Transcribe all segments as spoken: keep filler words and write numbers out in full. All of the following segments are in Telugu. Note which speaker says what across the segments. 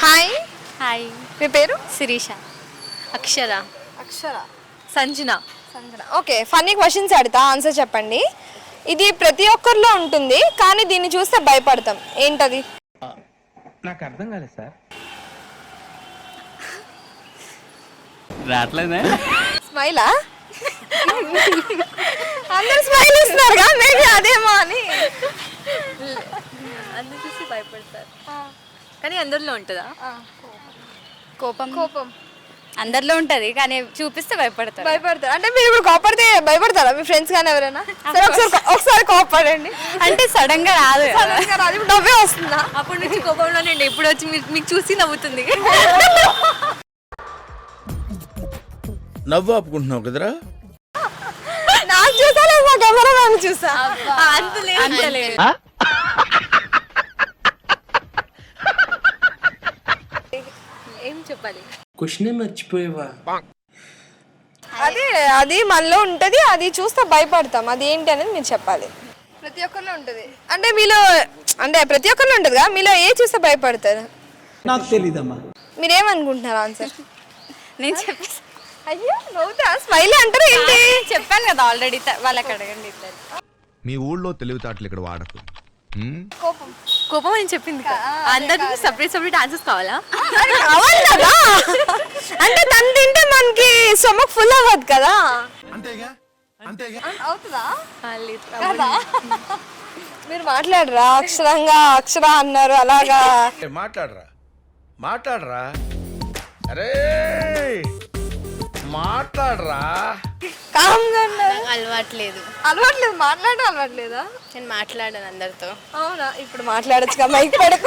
Speaker 1: హాయ్.
Speaker 2: హాయ్.
Speaker 1: మీ పేరు?
Speaker 2: Sirisha. Akshara.
Speaker 1: Akshara.
Speaker 2: Sanjana.
Speaker 1: Sanjana. Okay, funny questions అడుగుతా, ఆన్సర్ చెప్పండి. ఇది ప్రతి ఒక్కరిలో ఉంటుంది కానీ దీన్ని చూస్తే భయపడతాం, ఏంటది?
Speaker 3: నాకు అర్థం కాలేదు సార్.
Speaker 4: రావట్లేదే.
Speaker 1: స్మైలా? అందరు స్మైల్ ఇస్తున్నారుగా, మేబీ అదేమో అని.
Speaker 2: అందరు చూసి భయపడతారు కానీ అందరిలో ఉంటుందా?
Speaker 5: కోపం
Speaker 1: కోపం
Speaker 2: అందరిలో ఉంటది కానీ చూపిస్తే భయపడతారు.
Speaker 1: భయపడతారు అంటే మీరు ఇప్పుడు కోపడితే భయపడతారా మీ ఫ్రెండ్స్ కానీ ఎవరైనా? సరే ఒకసారి ఒకసారి కోపడండి.
Speaker 2: అంటే సడన్ గా రాదు కదా.
Speaker 1: సడన్ గా రాదు, ఇప్పుడు నవ్వే వస్తుందా?
Speaker 2: అప్పటి నుంచి కోపంలోనే ఇప్పుడు వచ్చి మీ- మీకు చూసి నవ్వుతుంది.
Speaker 6: నవ్వు ఆపుకుంటున్నావు కదరా.
Speaker 1: నాకు చూసా లేదు, మా కెమెరా మ్యాన్ చూసా.
Speaker 2: అంతలేదు అంతలేదు. ఏం చెప్పాలి?
Speaker 3: క్వశ్చన్ మర్చిపోయేవా?
Speaker 1: అదే అది మనలో ఉంటది, అది చూస్తే భయపడతాం, అది ఏంటి అనేది మీరు చెప్పాలి. ప్రతి ఒక్కరిలో ఉంటది అంటే మీలో, అంటే ప్రతి ఒక్కరిలో ఉంటది కదా, మీలో ఏ చూస్తే భయపడతారు?
Speaker 3: నాకు తెలీదమ్మా.
Speaker 1: మీరేమనుకుంటున్నారు ఆన్సర్?
Speaker 2: నేను చెప్పేసి
Speaker 1: అయ్యో నవ్వుతా, స్మైల్ అంటారు ఏంటి?
Speaker 2: చెప్పాను కదా ఆల్రెడీ, వాళ్ళకి అడగండి ఇద్దరు.
Speaker 7: మీ ఊళ్ళో తెలివితేటలు ఇక్కడ వాడకు. హ్మ్?
Speaker 1: కోపం.
Speaker 2: కోపం అని చెప్పింది కదా, అందరికి సపరేట్ సపరేట్ ఆన్సర్స్ కావాలా?
Speaker 1: కావాలి కదా, అంటే తను తింటే మనకి స్టమక్ ఫుల్ అవ్వదు కదా.
Speaker 7: అంతేగా అంతేగా
Speaker 1: అవుతుందా?
Speaker 2: లేదు.
Speaker 1: కదా మీరు మాట్లాడరా, అక్షరంగా అక్షర అన్నారు అలాగా.
Speaker 6: మాట్లాడరా మాట్లాడరా అరే మాట్లాడరా.
Speaker 1: కామ్గా ఉన్నారు.
Speaker 2: అలవాట్లేదు.
Speaker 1: అలవాట్లేదు, మాట్లాడడం అలవాట్లేదా?
Speaker 2: నేను మాట్లాడాను అందరితో.
Speaker 1: అవునా, ఇప్పుడు మాట్లాడొచ్చుగా, మైక్ పడకు.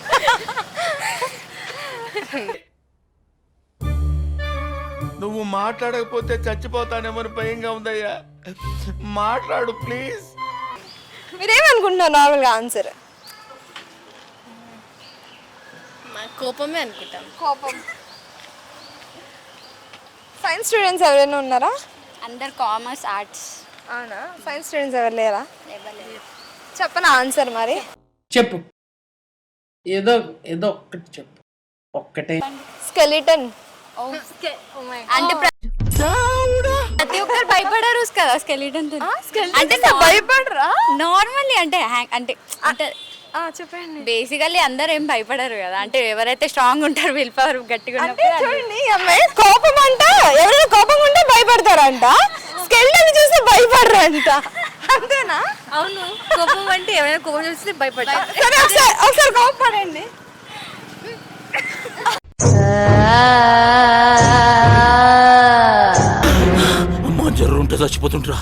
Speaker 6: నువ్వు మాట్లాడకపోతే చచ్చిపోతానేమని భయంగా ఉందయ్యా, మాట్లాడు ప్లీజ్.
Speaker 1: మీరేమనుకుంటున్నారు నార్మల్గా ఆన్సర్?
Speaker 2: కోపమే అనుకుంటాం.
Speaker 1: కోపం. సైన్స్ స్టూడెంట్స్ ఎవరైనా ఉన్నారా?
Speaker 5: అందరు కామర్స్ ఆర్ట్స్.
Speaker 1: అవునా, సైన్స్ స్టూడెంట్స్ ఎవరు లేరా? చెప్పనా ఆన్సర్ మరి?
Speaker 3: చెప్పు, ఏదో ఏదో ఒక్కటి చెప్పు, ఒక్కటే.
Speaker 1: స్కెలిటన్.
Speaker 2: అంటే ప్రతి ఒక్కరు భయపడారు కదా స్కెలిటన్.
Speaker 1: అంటే భయపడరా?
Speaker 2: నార్మల్లీ అంటే హ్యాంగ్ అంటే అంటే
Speaker 1: చెప్పండి.
Speaker 2: బేసికల్లీ అందరు ఏం భయపడరు కదా, అంటే ఎవరైతే స్ట్రాంగ్ ఉంటారు, విల్ పవర్ గట్టిగా
Speaker 1: అంటే
Speaker 2: ఉన్నప్పుడు
Speaker 1: చూడండి, ఈ అమ్మాయి కోపం అంట, ఎవరైనా కోపం ఉంటే భయపడతారంట, స్కెలిటన్ చూసి భయపడరంట, అంతేనా?
Speaker 2: అవును, కోపం అంటే ఎవరైనా కోపం చూస్తే భయపడతారు.
Speaker 1: సరే ఒకసారి ఒకసారి కోపడండి.
Speaker 6: అమ్మా జర్రు ఉంటే చచ్చిపోతుంటరా.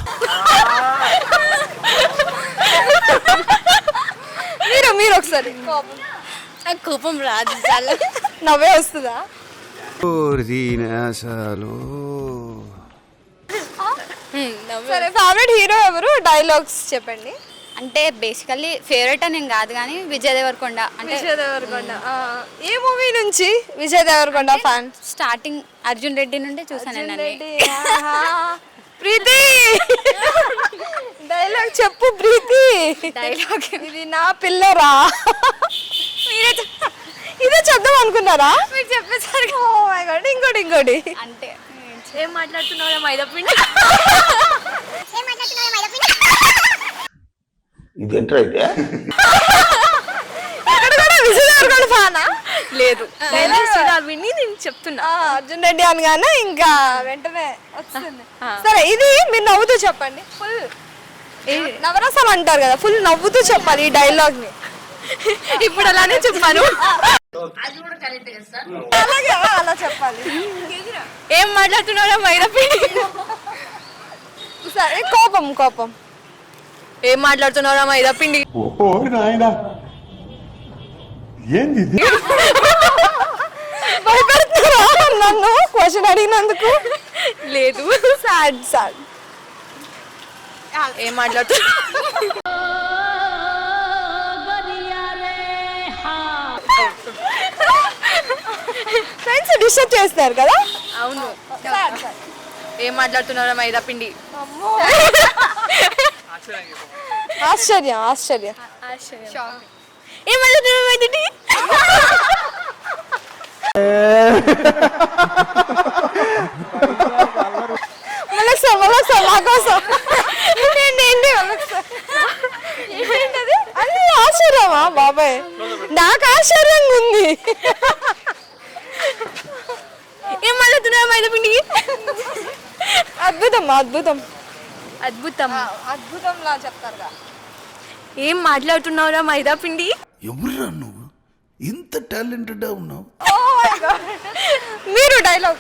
Speaker 1: మీరు మీరు ఒకసారి కోపం.
Speaker 2: నాకు కోపం రాదు, చాలా
Speaker 1: నవ్వే వస్తుందా? సరే, ఫేవరెట్ హీరో ఎవరు? డైలాగ్స్ చెప్పండి.
Speaker 5: అంటే బేసికల్లీ ఫేవరెట్ అని ఏం కాదు కానీ విజయ్ దేవరకొండ అంటే
Speaker 1: విజయ్ దేవరకొండ. ఏ మూవీ నుంచి విజయ్ దేవరకొండ ఫ్యాన్?
Speaker 5: స్టార్టింగ్ అర్జున్ రెడ్డి నుండి చూసాను నేను అన్ని.
Speaker 1: ప్రీతి డైలాగ్ చెప్పు ప్రీతి.
Speaker 5: డైలాగ్
Speaker 1: ఇది నా పిల్లరా.
Speaker 5: మీరే
Speaker 1: ఇదే చెప్దాం అనుకున్నారా?
Speaker 5: మీరు చెప్పేసరికి
Speaker 1: ఓ మై గాడ్, ఇంకోటి ఇంకోటి
Speaker 5: అంటే
Speaker 2: ఏం మాట్లాడుతున్నావు మైదా పిండి?
Speaker 6: ఇదేంట్రా ఇదే?
Speaker 1: ఇక్కడ కూడా విజయ్ దేవరకొండ ఫ్యానా?
Speaker 2: లేదు, విని నేను చెప్తున్నా.
Speaker 1: అర్జున్ రెడ్డి అనగానే ఇంకా వెంటనే వస్తుంది. సరే, ఇది మీరు నవ్వుతూ చెప్పండి. ఫుల్ నవరసాలు అంటారు కదా, ఫుల్ నవ్వుతూ చెప్పాలి ఈ డైలాగ్ ని.
Speaker 2: ఇప్పుడు అలానే చెప్పాను.
Speaker 1: అలాగే అలా చెప్పాలి.
Speaker 2: ఏం మాట్లాడుతున్నావు మైదా పిండి?
Speaker 1: సరే, కోపం కోపం.
Speaker 2: ఏం మాట్లాడుతున్నారా మైదా పిండి?
Speaker 1: భయపడుతున్నారా నన్ను క్వశ్చన్ అడిగినందుకు?
Speaker 2: లేదు.
Speaker 1: Sad sad.
Speaker 2: ఏం మాట్లాడుతున్నా?
Speaker 1: ఫ్రెండ్స్ డిస్టర్బ్ చేస్తారు కదా.
Speaker 2: అవును.
Speaker 1: Sad sad.
Speaker 2: ఏం మాట్లాడుతున్నారా మైదా పిండి?
Speaker 1: ఆశ్చర్యం ఆశ్చర్యం.
Speaker 2: ఏం మాట్లాడుతున్నారా మైదా పిండి?
Speaker 1: మళ్ళీ సార్ మళ్ళీ సార్ మా కోసం ఏంటి ఏంటి ఏంటది అది ఆశ్చర్యమా బాబాయ్, నాకు ఆశ్చర్యంగా ఉంది. ఏం మళ్ళీ మైదాపిండికి అద్భుతం అద్భుతం
Speaker 2: అద్భుతం.
Speaker 1: అద్భుతంలా చెప్తారుగా.
Speaker 2: ఏం మాట్లాడుతున్నావురా మైదా పిండి?
Speaker 6: ఎవరురా నువ్వు ఇంత టాలెంటెడ్ ఉన్నావు?
Speaker 1: మీరు డైలాగ్.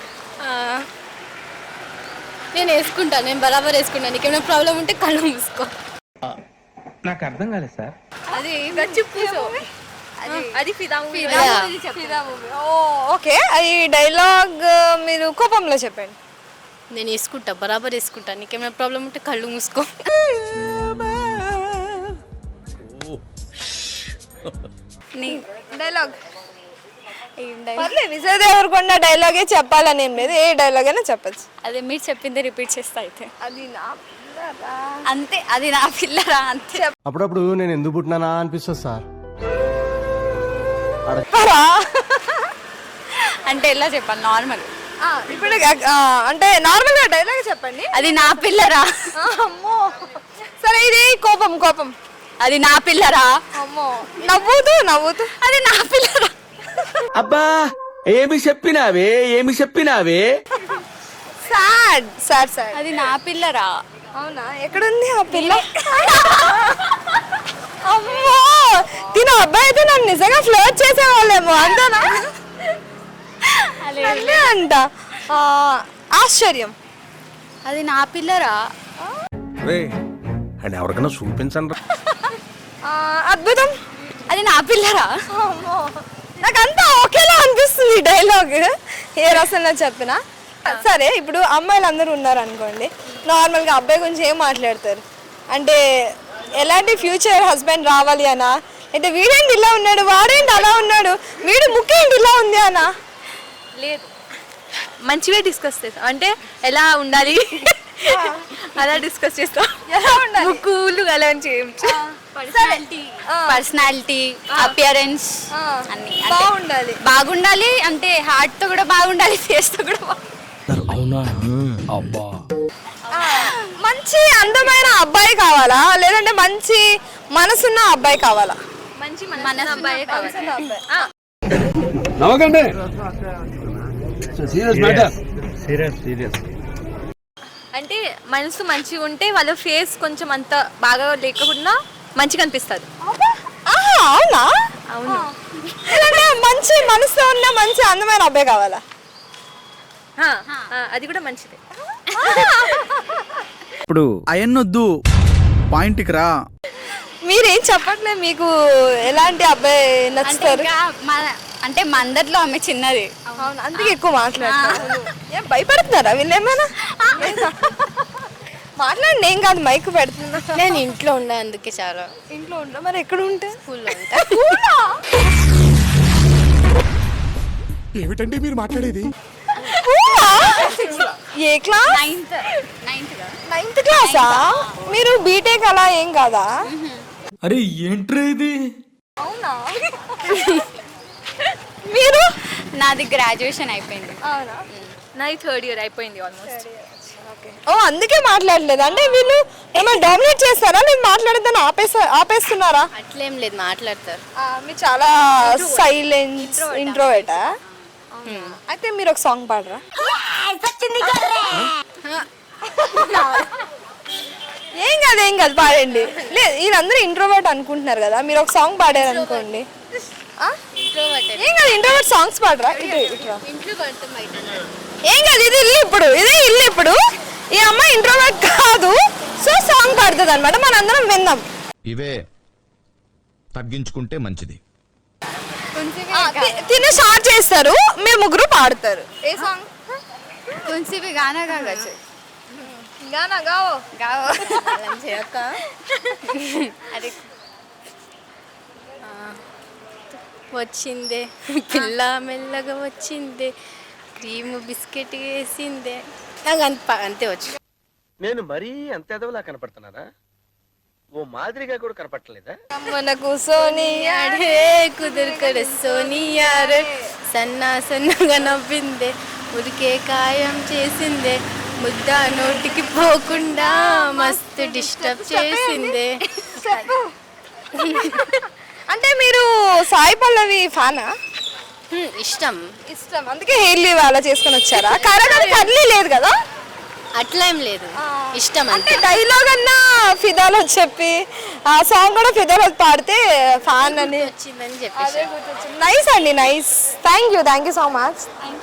Speaker 5: నేను వేసుకుంటాను, నేను బరాబర్ వేసుకుంటాను. నీకేమైనా ప్రాబ్లం ఉంటే కళ్ళు మూసుకో.
Speaker 3: నాకు అర్థం కాలేదు సార్.
Speaker 2: అది కూర్చో. అది అది ఫిదా మూవీ.
Speaker 1: ఫిదా మూవీ. ఓ ఓకే, ఈ డైలాగ్ మీరు కోపంలో చెప్పండి.
Speaker 5: నేను వేసుకుంటా, బరాబర్ వేసుకుంటా. నీకేమైనా ప్రాబ్లం ఉంటే కళ్ళు మూసుకో.
Speaker 1: డైలాగ్ పర్లేదు, విజయ్ దేవరకొండ డైలాగే చెప్పాలని ఏం లేదు, ఏ డైలాగ్ అయినా చెప్పచ్చు.
Speaker 2: అదే మీరు చెప్పింది రిపీట్ చేస్తా అయితే.
Speaker 1: అది నా పిల్లరా.
Speaker 2: అంతే, అది నా పిల్లరా అంతే.
Speaker 4: అప్పుడప్పుడు నేను ఎందుకు పుట్టినానా అనిపిస్తుంది సార్.
Speaker 1: చెప్పరా?
Speaker 2: అంటే ఎలా చెప్పాలి? నార్మల్.
Speaker 1: ఆ, ఇప్పుడు ఆ, అంటే నార్మల్ గా డైలాగ్ చెప్పండి.
Speaker 2: అది నా పిల్లరా.
Speaker 1: ఆ, అమ్మో సరే, ఇది కోపం కోపం.
Speaker 2: అది నా పిల్లరా.
Speaker 1: అమ్మో నవ్వుతూ నవ్వుతూ
Speaker 2: అది నా పిల్లరా.
Speaker 3: అబ్బా ఏమి చెప్పినావే ఏమి చెప్పినావే.
Speaker 1: Sad sad sad.
Speaker 2: అది నా పిల్లరా.
Speaker 1: అవునా, ఎక్కడుంది ఆ పిల్ల? అమ్మో తిన అబ్బాయి అయితే నన్ను నిజంగా ఫ్లర్ట్ చేసేవాళ్ళేమో అంతేనా? అదే అంట. ఆ, ఆశ్చర్యం.
Speaker 2: అది నా పిల్లరా.
Speaker 6: అండ్ ఎవరికైనా చూపించండి.
Speaker 1: ఆ, అద్భుతం.
Speaker 2: అది నా పిల్లరా.
Speaker 1: అమ్మో నాకంతా ఒకేలా అనిపిస్తుంది డైలాగ్, ఏ రసంలో చెప్పినా. సరే, ఇప్పుడు అమ్మాయిలు అందరూ ఉన్నారు అనుకోండి, నార్మల్గా అబ్బాయి గురించి ఏం మాట్లాడతారు అంటే ఎలాంటి ఫ్యూచర్ హస్బెండ్ రావాలి అనా, అంటే వీడేంటి ఇలా ఉన్నాడు, వాడేంటి అలా ఉన్నాడు, వీడు ముక్కేంటి ఇలా ఉంది అనా?
Speaker 2: లేదు, మంచిగా డిస్కస్ చేస్తాం. అంటే ఎలా ఉండాలి అలా డిస్కస్ చేస్తాం.
Speaker 1: ఎలా ఉండాలి?
Speaker 2: ముక్కులు అలా పర్సనాలిటీ పర్సనాలిటీ అపియరెన్స్
Speaker 1: ఆ,
Speaker 2: అన్ని
Speaker 1: బాగుండాలి.
Speaker 2: బాగుండాలి. అంటే హార్ట్ తో కూడా బాగుండాలి, ఫేస్ తో కూడా బాగుండాలి.
Speaker 1: ఆ, మంచి అందమైన అబ్బాయి కావాలా, లేదంటే మంచి మనసున్న అబ్బాయి కావాలా?
Speaker 2: మంచి మనసు అబ్బాయే కావాలి.
Speaker 1: ఆ,
Speaker 3: నవ్వకండి. Serious matter. Serious serious.
Speaker 2: అంటే మనసు మంచిగా ఉంటే వాళ్ళ ఫేస్ కొంచెం అంత బాగా లేకుండా మంచిగా అనిపిస్తుంది.
Speaker 1: ఆహా, అవునా?
Speaker 2: అవును.
Speaker 1: లేదంటే మంచి మనసుతో ఉన్న మంచి అందమైన అబ్బాయి కావాలా?
Speaker 2: ఆ, ఆ, అది కూడా మంచిదే.
Speaker 8: ఇప్పుడు అయన్నొద్దు, పాయింట్కి రా.
Speaker 1: మీరేం చెప్పట్లేదు, మీకు ఎలాంటి అబ్బాయి
Speaker 2: అంటే
Speaker 1: నచ్చుతారు?
Speaker 2: ఇంకా మన అంటే మా అందరిలో ఆమె చిన్నది.
Speaker 1: అవును, అందుకే ఎక్కువ మాట్లాడతారు. ఏం భయపడుతున్నారా వీళ్ళేమైనా? మాట్లాడండి, ఏం కాదు, మైక్ పెడుతున్నా.
Speaker 5: నేను ఇంట్లో ఉండే, అందుకే చాలా.
Speaker 1: ఇంట్లో ఉంటా, మరి ఎక్కడ ఉంటే?
Speaker 5: స్కూల్లో ఉంటా.
Speaker 7: ఏమిటండి మీరు మాట్లాడేది?
Speaker 1: ఏ క్లాస్?
Speaker 2: నైన్త్ నైన్త్
Speaker 1: నైన్త్ క్లాసా? మీరు బీటెక్ అలా ఏం కాదా?
Speaker 3: అరే ఏంట్రా ఇది?
Speaker 1: అవునా? మీరు?
Speaker 2: నాది గ్రాడ్యుయేషన్ అయిపోయింది.
Speaker 1: అవునా?
Speaker 2: నాది థర్డ్ ఇయర్ అయిపోయింది ఆల్మోస్ట్.
Speaker 1: ఓ, అందుకే మాట్లాడలేదు. అంటే వీళ్ళు ఏమైనా డామినేట్ చేస్తారా, నేను మాట్లాడద్దని ఆపేసా ఆపేస్తున్నారా?
Speaker 5: అట్లేం లేదు, మాట్లాడతారు.
Speaker 1: ఆ, మీరు చాలా సైలెన్స్ ఇంట్రోవేటా? అయితే మీరు ఒక సాంగ్ పాడరా? ఏం కాదు ఏం కాదు, పాడండి. లేదు, వీళ్ళందరూ ఇంట్రోవర్ట్ అనుకుంటున్నారు కదా, మీరు ఒక సాంగ్ పాడారు అనుకోండి. ఆ? ఏం కాదు, ఇంట్రోవర్ట్ సాంగ్స్ పాడరా? ఇటు ఇటురా. ఏం కాదు, ఇది ఇల్లు ఇప్పుడు, ఇదే ఇల్లు ఇప్పుడు. ఈ అమ్మాయి ఇంట్రోవర్ట్ కాదు, సో సాంగ్ పాడుతుంది అనమాట, మనందరం విందాం.
Speaker 7: ఇవే తగ్గించుకుంటే మంచిది.
Speaker 1: ఆ, తి- తిని స్టార్ట్ చేస్తారు, మీరు ముగ్గురు పాడతారు. ఏ సాంగ్?
Speaker 2: కొంచెం గానా కావచ్చు.
Speaker 1: గానా గావో.
Speaker 2: గావో.
Speaker 5: అలా చేయక.
Speaker 2: అదే
Speaker 5: వచ్చిందే పిల్ల మెల్లగా వచ్చిందే, క్రీమ్ బిస్కెట్ వేసిందే. నాకు అంత అంతే వచ్చు.
Speaker 9: నేను మరీ అంత ఎదవలా కనపడుతున్నారా? ఓ మాదిరిగా కూడా కనపడలేదా?
Speaker 1: మన కూసోని
Speaker 5: అడే కుదురు కడ సోనియారే సన్నా సన్నగా నవ్విందే ఉరికే కాయం చేసిందే ముద్ద నోటికి పోకుండా మస్తు డిస్టర్బ్ చేసిందే.
Speaker 1: అంటే మీరు సాయి పల్లవి ఫ్యానా?
Speaker 5: హ్మ్, ఇష్టం.
Speaker 1: ఇష్టం, అందుకే హెయిర్ లీవ్ అలా చేసుకొని వచ్చారా? కరగని కర్లీ లేదు కదా?
Speaker 5: అట్లా ఏం లేదు, ఇష్టం
Speaker 1: అంటే
Speaker 5: అంతే.
Speaker 1: డైలాగ్ అన్నా ఫిదాలో చెప్పి ఆ సాంగ్ కూడా ఫిదాలో పాడితే ఫ్యాన్ అని
Speaker 5: వచ్చిందని చెప్పేసి
Speaker 1: నైస్ అండి, nice. Thank you thank you so much.